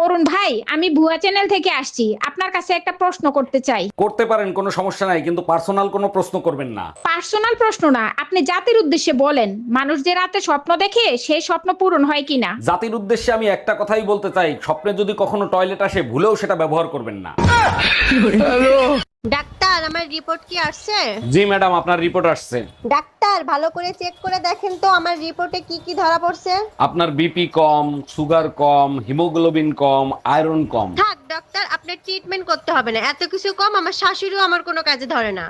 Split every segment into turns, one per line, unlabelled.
অরুণ ভাই, আমি ভুয়া চ্যানেল থেকে আসছি, আপনার কাছে একটা প্রশ্ন করতে চাই।
করতে পারেন, কোনো সমস্যা নাই, কিন্তু পার্সোনাল কোনো প্রশ্ন করবেন না।
পার্সোনাল প্রশ্ন না, আপনি জাতির উদ্দেশ্যে বলেন, মানুষ যে রাতে স্বপ্ন দেখে সেই স্বপ্ন পূরণ হয় কিনা।
জাতির উদ্দেশ্যে আমি একটা কথাই বলতে চাই, স্বপ্নে যদি কখনো টয়লেট আসে ভুলেও সেটা ব্যবহার করবেন না।
ডাক্তার, আমার রিপোর্ট কি আসছে?
জি ম্যাডাম, আপনার রিপোর্ট আসছে।
ডাক্তার, ভালো করে চেক করে দেখেন তো আমার রিপোর্টে কি কি ধরা পড়ছে।
আপনার বিপি কম, সুগার কম, হিমোগ্লোবিন কম, আয়রন কম।
থাক ডাক্তার, আপনার ট্রিটমেন্ট করতে হবে না, এত কিছু কম আমার শাশুড়িও আমার কোনো কাজে ধরে না।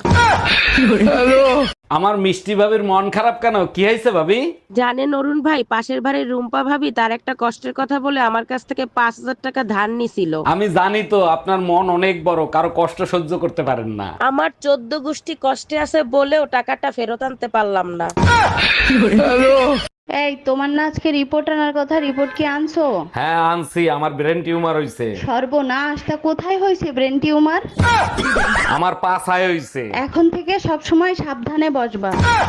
আমার মিষ্টি ভাবির মন খারাপ কেন? কি হয়েছে ভাবি?
জানেন অরুণ ভাই, পাশের বাড়ির রুম্পা ভাবি তার একটা কষ্টের কথা বলে আমার কাছ থেকে 5,000 টাকা ধার নিছিল।
আমি জানি তো আপনার মন অনেক বড়, কারো কষ্ট সহ্য করতে পারেন না।
আমার 14 গোষ্ঠী কষ্টে আছে বলেও টাকাটা ফেরত আনতে পারলাম না।
এই, তোমার না আজকে রিপোর্ট আনার কথা, রিপোর্ট কি আনছো?
হ্যাঁ আনছি, আমার ব্রেন টিউমার হইছে।
সর্বনাশ, তা কোথায় হয়েছে ব্রেন টিউমার?
আমার পা ছায় হইছে।
এখন থেকে সব সময় সাবধানে বসবা।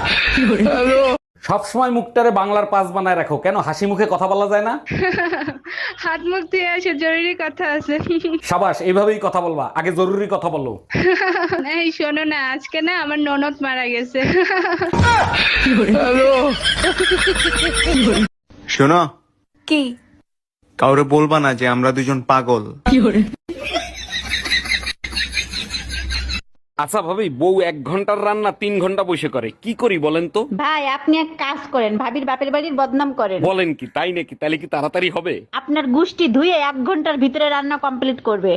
সব সময় মুখটারে বাংলার পাস বানায় রাখো কেন? হাসি মুখে কথা বলা যায় না?
হাত মুখ ধুয়ে আসে, জরুরি কথা আছে।
সাবাস, এইভাবেই কথা বলবা, আগে জরুরি কথা বলো।
এই শোনো না, আজকে না আমার ননদ মারা গেছে।
শোনো,
কি?
কাউরে বলবা না যে আমরা দুজন পাগল।
আচ্ছা ভাবি, বউ 1 ঘন্টার রান্না 3 ঘন্টা বসে করে, কি করি বলেন তো?
ভাই, আপনি এক কাজ করেন, ভাবির বাপের বাড়ির বদনাম করেন।
বলেন কি, তাই নাকি? তাহলে কি তাড়াতাড়ি হবে?
আপনার গুষ্টি ধুয়ে 1 ঘন্টার ভিতরে রান্না কমপ্লিট করবে।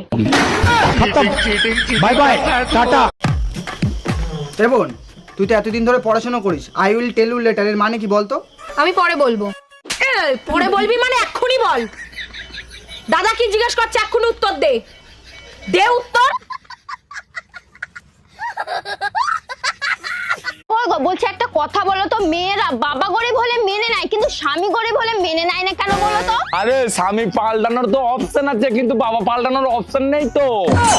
Bye bye, tata. বোন, তুই তো এতদিন ধরে পড়াশোনা করিস, I will tell you letter এর মানে কি বলতো?
আমি পরে বলবো। পরে বলবি মানে এক্ষুনি বল। দাদা কি জিজ্ঞেস করছে, এক্ষুনি উত্তর দে। দে উত্তর।
বলছে একটা কথা বলো তো, মেয়েরা বাবা গরিব হলে মেনে নেয় কিন্তু স্বামী গরিব হলে মেনে নেয় না কেন বলো তো?
আরে স্বামী পাল্টানোর তো অপশন আছে, কিন্তু বাবা পাল্টানোর অপশন নেই তো।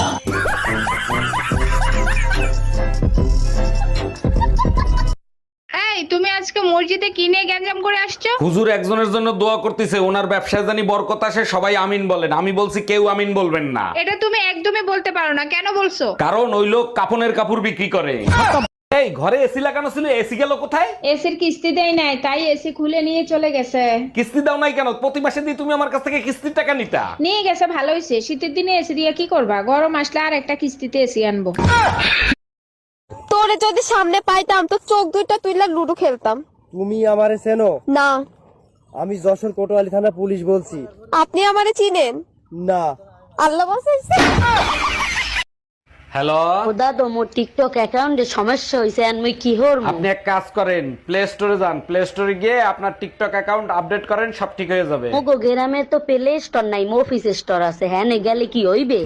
এই, তুমি আজকে মসজিদে কি নিয়ে গ্যাঞ্জাম করে আসছো?
হুজুর একজনের জন্য দোয়া করতেছে, ওনার ব্যবসায় জানি বরকত আসে, সবাই আমিন বলেন। আমি বলছি কেউ আমিন বলবেন না।
এটা তুমি একদমই বলতে পারো না, কেন বলছো?
কারণ ওই লোক কাপনের কাপড় বিক্রি করে। এই ঘরে এসি লাগানো ছিল, এসি গেল কোথায়?
এসির কিস্তি দেয় নাই, তাই এসি খুলে নিয়ে চলে গেছে।
কিস্তি দাও নাই কেন? প্রতি মাসে দিয়ে তুমি আমার কাছ থেকে কিস্তির টাকা নিতা।
নিয়ে গেছে, ভালো হয়েছে। শীতের দিনে এসি দিয়ে কি করবা? গরম আসলে আর একটা কিস্তিতে এসি আনবো।
তোরে যদি সামনে পাইতাম তো চোখ দুইটা তুইলা লুডো খেলতাম।
তুমি আমারে চেনো?
না।
আমি যশোর কোতোয়ালি থানা পুলিশ বলছি।
আপনি আমারে চিনেন?
না।
আল্লাহ বাঁচাইছে।
হ্যালো,
দাদা, মোর টিকটক অ্যাকাউন্টে সমস্যা হইছে, আর মুই কি হর?
আপনি এক কাজ করেন, প্লে স্টোরে যান, প্লে স্টোরে গিয়ে আপনার টিকটক অ্যাকাউন্ট আপডেট করেন, সব ঠিক হয়ে যাবে।
মোগো গ্রামে তো প্লে স্টোর নাই, মফিস স্টোর আছে। হ্যাঁ, নে গেলে কি হইবে?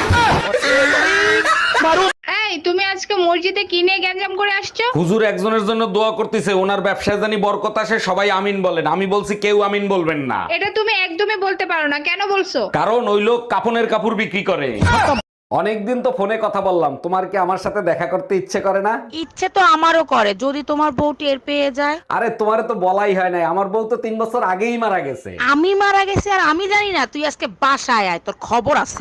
এই, তুমি আজকে মসজিদে কি নিয়ে গ্যাঞ্জাম করে আসছো?
হুজুর একজনের জন্য দোয়া করতেছে, ওনার ব্যবসায় জানি বরকত আসে, সবাই আমিন বলেন। আমি বলছি কেউ আমিন বলবেন না।
এটা তুমি একদমই বলতে পারো না, কেন বলছো?
কারণ ওই লোক কাপনের কাপড় বিক্রি করে। অনেকদিন তো ফোনে কথা বললাম, তোমার কি আমার সাথে দেখা করতে ইচ্ছে করে না?
ইচ্ছে তো আমারও করে, যদি তোমার বউ টের পেয়ে যায়।
আরে তোমারে তো বলাই হয় নাই, আমার বউ তো 3 বছর আগেই মারা গেছে।
আমি মারা গেছি আর আমি জানি না? তুই আজকে বাসায় আয়, তোর খবর আছে।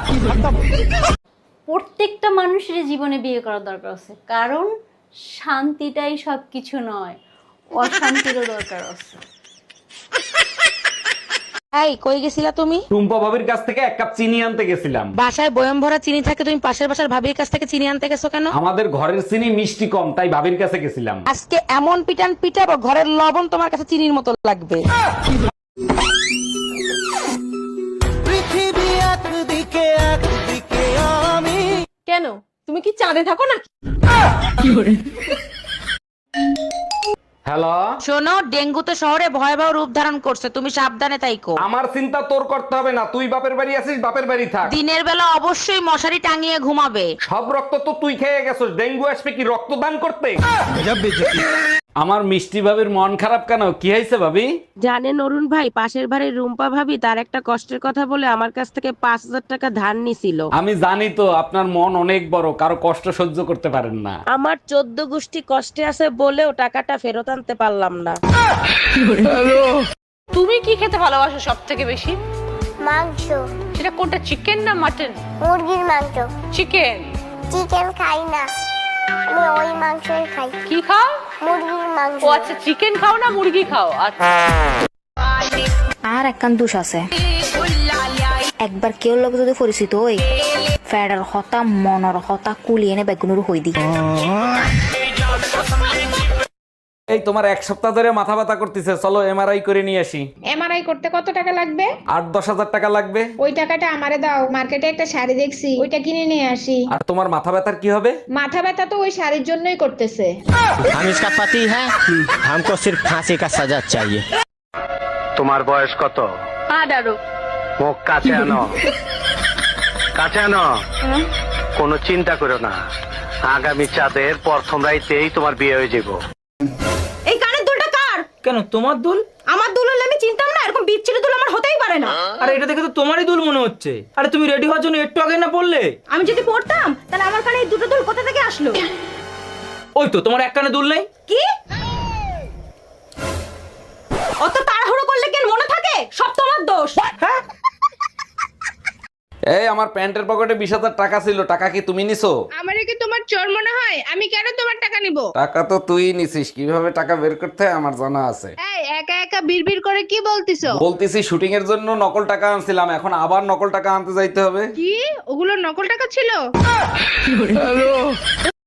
প্রত্যেকটা মানুষের জীবনে বিয়ে করার দরকার আছে, কারণ শান্তিটাই সবকিছু নয়, অশান্তিরও দরকার আছে।
এই, কই গেছিলা তুমি?
টুম্পা ভাবির কাছ থেকে 1 কাপ চিনি আনতে গেছিলাম।
বাসায় বয়ম ভরা চিনি থাকে, তুমি পাশের বাসার ভাবির কাছ থেকে চিনি আনতে গেছো কেন?
আমাদের ঘরের চিনি মিষ্টি কম, তাই ভাবির কাছে গেছিলাম।
আজকে এমন পিটান পিটাবো, ঘরের লবণ তোমার কাছে চিনির মতো লাগবে।
পৃথিবী একদিকে একদিকে আমি।
কেন, তুমি কি চাঁদে থাকো না?
হ্যালো,
শোনো, ডেঙ্গু তো শহরে ভয়াবহ রূপ ধারণ করছে, তুমি সাবধানে তাইকো।
আমার চিন্তা তোর করতে হবে না, তুই বাপের বাড়ি আছিস, বাপের বাড়ি থাক।
দিনের বেলা অবশ্যই মশারি টাঙিয়ে ঘুমাবে।
সব রক্ত তো তুই খেয়ে গেছিস, ডেঙ্গু আসবে কি রক্তদান করতে? আমার মিষ্টি ভাবির মন খারাপ কেন? কি হয়েছে ভাবি?
জানেন অরুণ ভাই, পাশের বাড়ির রুম্পা ভাবি তার একটা কষ্টের কথা বলে আমার কাছ থেকে 5,000 টাকা ধার নিছিল।
আমি জানি তো আপনার মন অনেক বড়, কারো কষ্ট সহ্য করতে পারেন না।
আমার 14 গোষ্ঠী কষ্টে আছে বলেও টাকাটা ফেরত আনতে পারলাম না।
তুমি কি খেতে ভালোবাসো সব থেকে বেশি?
মাংস।
সেটা কোনটা, চিকেন না মাটন?
মুরগির মাংস।
চিকেন।
চিকেন খাই না, আমি ওই মাংসই খাই।
কি খাও?
মুরগির মাংস।
ও আচ্ছা, চিকেন খাও না মুরগি খাও? আচ্ছা।
আর একখান দোষ আছে, একবার কেউ লগে যদি পরিচিত হই ফেডার হতা মনর হতা কুলি এনে বেগুনুর হই দি।
এই তোমার 1 সপ্তাহ ধরে মাথা ব্যথা করতেছে, চলো এমআরআই করে নিয়ে আসি।
এমআরআই করতে কত টাকা লাগবে?
8-10 হাজার টাকা লাগবে।
ওই টাকাটা আমারে দাও, মার্কেটে একটা শাড়ি দেখছি, ওইটা কিনে নিয়ে আসি।
আর তোমার মাথা ব্যথার কি হবে?
মাথা ব্যথা তো ওই শাড়ির জন্যই করতেছে।
हम इसका पति है, हमको सिर्फ फांसी का सजा चाहिए।
তোমার বয়স কত?
18।
মুখ কাছে আনো, কাছে আনো। কোনো চিন্তা করো না, আগামী চাঁদের প্রথম রাইতেই তোমার বিয়ে হয়ে যাবো।
এই কানের দুলটা কার?
কেন তোমার দুল?
আমার দুল হলে আমি চিনতাম না, এরকম বিচ্ছিরি দুল আমার হতেই পারে না।
আরে এটা দেখে তো তোমারই দুল মনে হচ্ছে। আরে তুমি রেডি হওয়ার জন্য একটু আগে না বললে?
আমি যদি পড়তাম তাহলে আমার কানে এই দুটো দুল কোথা থেকে আসলো?
ওই তো তোমার এক কানে দুল নেই।
কি? অত তাড়াহুড়ো করলে কেন মনে থাকে? সব তোমার দোষ।
হ্যাঁ,
এই আমার প্যান্টের পকেটে 20,000 টাকা ছিল, টাকা কি তুমি নিছো?
আমারে কি তোমার চোর মনে হয়? আমি কেন তোমার টাকা নিব?
টাকা তো তুই নিছিস, কিভাবে টাকা বের করতে হয় আমার জানা আছে।
এই একা একা বিড়বিড় করে কি বলতিছো?
বলতেছি শুটিং এর জন্য নকল টাকা আনছিলাম, এখন আবার নকল টাকা আনতে যাইতে হবে।
কি ওগুলো নকল টাকা ছিল?